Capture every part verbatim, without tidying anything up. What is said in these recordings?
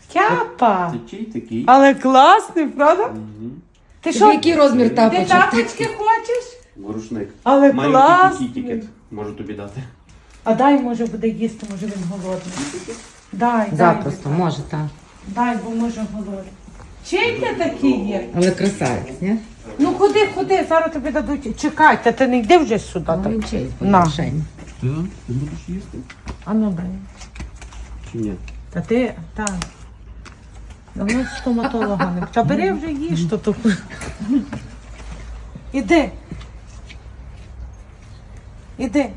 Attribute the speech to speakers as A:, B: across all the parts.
A: Тяпа.
B: Це чий такий?
A: Але класний, правда?
B: Угу.
A: Ти
C: Тобі
A: що?
C: який розмір
A: Ти
C: тапочок?
A: тапочки хочеш?
B: Ворушник.
A: Але
B: Маю
A: класний.
B: такий тікет. Можу тобі дати.
A: А дай, може, буде їсти, може він голодний. Дай,
C: Запросто,
A: дай.
C: може, так.
A: Дай, бо може голодний. Чий ти такий є?
C: Але красавець, ні?
A: Ну ходи, ходи, зараз тобі дадуть. Чекайте, ти не йди вже сюди.
C: Ну,
A: так.
C: він чий,
A: На.
C: Женя.
B: Ти? Ти будеш їсти?
A: А ну дай.
B: Чи ні?
A: Та ти, так. Давно стоматолога не. Та бери вже їж, то то. Іди. Іди.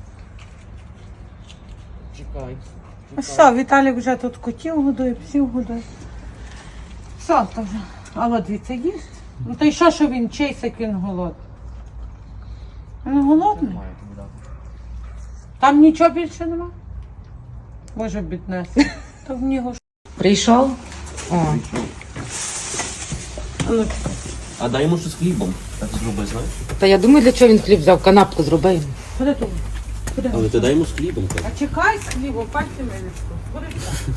B: Чекай.
A: Ну все, Віталік вже тут котів годує, псів годує. Все, то вже. А от дивіться, їсть. Ну то й що, що він чийсь, як він голодний? Він голодний? Там нічого більше нема? Боже, біднес. То в нього ж.
C: Прийшов? О,
A: А ну,
B: А дай йому щось з хлібом. Так зроби, знаєш?
C: та я думаю, для чого він хліб взяв, канапку зроби йому.
A: ходи тут. Ходи.
B: Але ти дай йому з хлібом. так.
A: А чекай з хлібом, пальці милечко. Ходи сюди.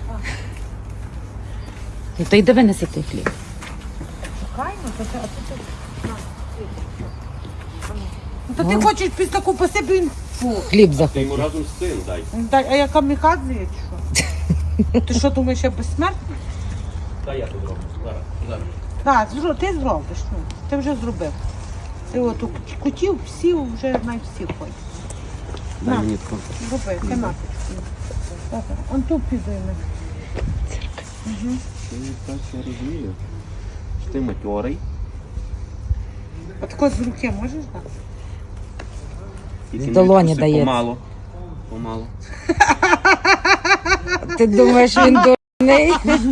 C: Ну, то йди винеси той хліб.
A: Чекай, ну то ти, а то ти. На, хліб. А ну. Ну то ти хочеш після таку по собі він. Фу.
C: Хліб
B: Ти
C: захотів.
B: йому разом з цим дай.
A: Дай, а я камікадзе є чи що? Ти що думаєш, я безсмертний?
B: Дай я тут зроблю. Зараз. Зараз.
A: Так, зро- ти зробиш, ну. Ти вже зробив. Ти от у кутів, псів, вже навіть всі ходять.
B: Дай
A: На.
B: мені таку.
A: Роби, канапочку. Добре, он тут підійме.
B: Ти так, я розумію. Що ти матьорий.
A: А тако з руки можеш дати?
B: Тільки
C: З
B: не
C: долоні
B: відкуси,
C: дається.
B: Помало. Помало.
C: Ти думаєш, він дурний?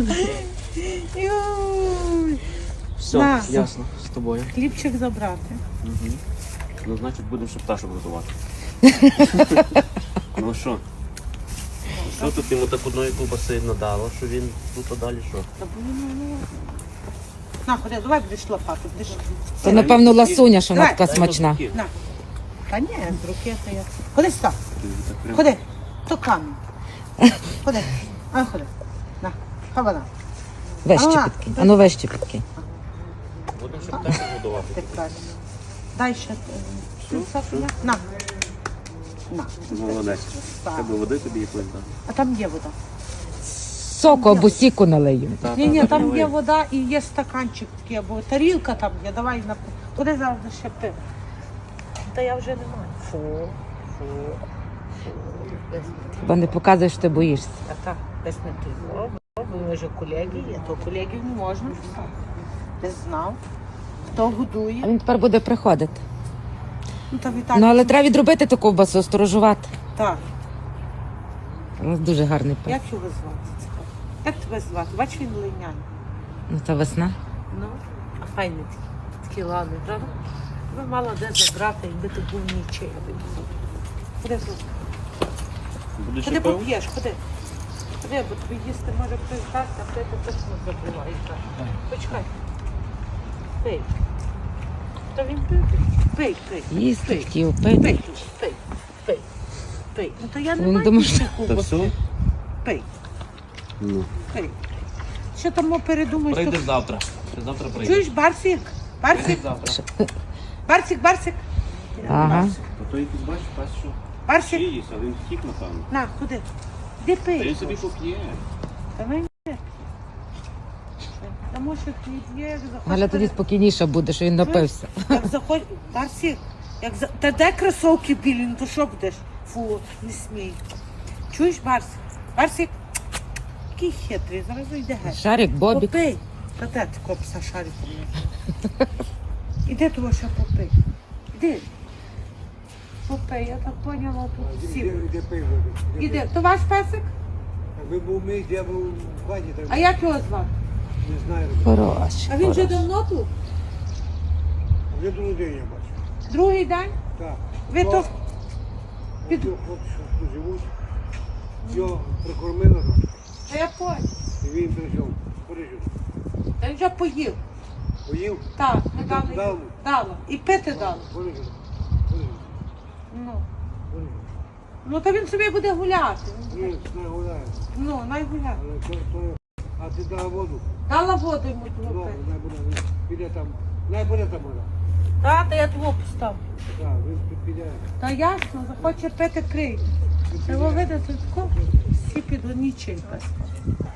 A: Юй.
B: Все,
A: На.
B: ясно, з тобою.
A: Хлібчик забрати.
B: Угу. Ну, значить, будемо ще пташок готувати. Ну що? Що тут йому так одної ковбаси надало, що він тут а далі що?
A: Та бо він, ну, на, ходи, давай будеш лопату, будеш.
C: То, напевно, ласуня, що вона
A: Давай.
C: така смачна.
A: На. Та ні, з руки то я. Ходи сюди,
B: Ти так прям-
A: ходи. То камінь. Ходи. А, ходи. На, хавана.
C: Вище
A: А,
C: підкинь. А ну вище підкинь.
B: Будемо ще пташок годувати.
A: Ти правильно. Дай ще. е,
B: Що? Що?
A: На. На.
B: Молодець.
A: Так.
B: Треба води тобі якось дати.
A: А там є вода.
C: Соку або сіку налию.
B: Та,
A: Ні,
B: та,
A: ні,
B: та,
A: там
B: давай.
A: є вода і є стаканчик такий, або тарілка там є. Давай на. Куди зараз ще пив? Та я вже не маю. Фу. Фу.
C: Хіба не показуєш, що ти боїшся.
A: А так, десь не той. О, бо ми вже колеги є, то колегів не можна писати. Не знав, хто
C: А
A: годує.
C: він тепер буде приходити.
A: Ну, та Віталій.
C: Ну, але треба відробити ту ковбасу, сторожувати.
A: Так,
C: У нас дуже гарний пес.
A: як його звати? Цікаво. Як тебе звати? Бач, він линяний.
C: Ну, та весна.
A: Ну, а файний такий. Такий ладний, правда? Ви мала де забрати, якби ти був нічий. Ходи, тут.
B: Будеш ще
A: Ходи
B: пив?
A: поп'єш, ходи. Ходи, бо тобі їсти може хтось дасть, а ти точно забуваєш. Почекай. Пий. Та він пив. Пий, пий.
C: Їсти
A: Пий.
C: хотів,
A: Пий,
C: пити.
A: пий, пий, пий. Ну то я не
C: Він
A: маю
C: думає,
A: більше
B: Та
A: ковбаси.
B: все?
A: Пий,
B: Ну.
A: пий. Що там передумаєш?
B: Прийдеш
A: Тут-
B: завтра. Ти завтра прийдеш.
A: Чуєш, Барсик? Барсик?
B: Завтра.
A: Барсик, Барсик?
C: Ага.
B: А то якийсь бачиш, пас що?
A: Барсик?
B: Чиїсь, а він втік, напевно.
A: На, куди? Де
B: Та він
A: пий?
B: собі поп'є.
A: Давай не. Та може хліб є, як захочеш.
C: Галя тоді спокійніше буде, що він напився.
A: Як заходь, Барсик, як за... Та де кросовки білі, ну то що будеш? Фу, не смій. Чуєш, Барсик? Барсик? Який хитрий, зараз йде геть.
C: Шарик, Бобік.
A: Попий. Та де ти копса шариком? є? Іди того ще попий. Іди. Попий, я так поняла, тут всі.
D: Де пиво?
A: Іди. То ваш песик?
D: Ви був мій, я був в хаті, так
A: А як його звати?
D: не знаю.
C: Хороший.
A: А він вже
C: хороший.
A: давно тут?
D: Вже другий день я бачу.
A: Другий день?
D: Так.
A: Ви то
D: Під... Хлопці, що тут живуть, його прикормили, так,
A: Та я понял.
D: і він прийшов. Поріжу.
A: Та він вже поїв.
D: Поїв,
A: Так, ми
D: Дав-
A: дали.
D: дав.
A: Дала. І пити дали.
D: поріжу. Поріжу.
A: Ну.
D: Поріжу.
A: Ну то він собі буде гуляти.
D: Ні, не гуляє.
A: Ну, най гуляє.
D: Але то, то А ти дала воду?
A: Дала воду йому
D: Ну,
A: твого пити.
D: най буде, він піде там, най буде там вода.
A: Та, та я твого поставлю.
D: Так, він піде.
A: Та ясно, захоче пити крий. Треба видати таку, всі під нічий пес.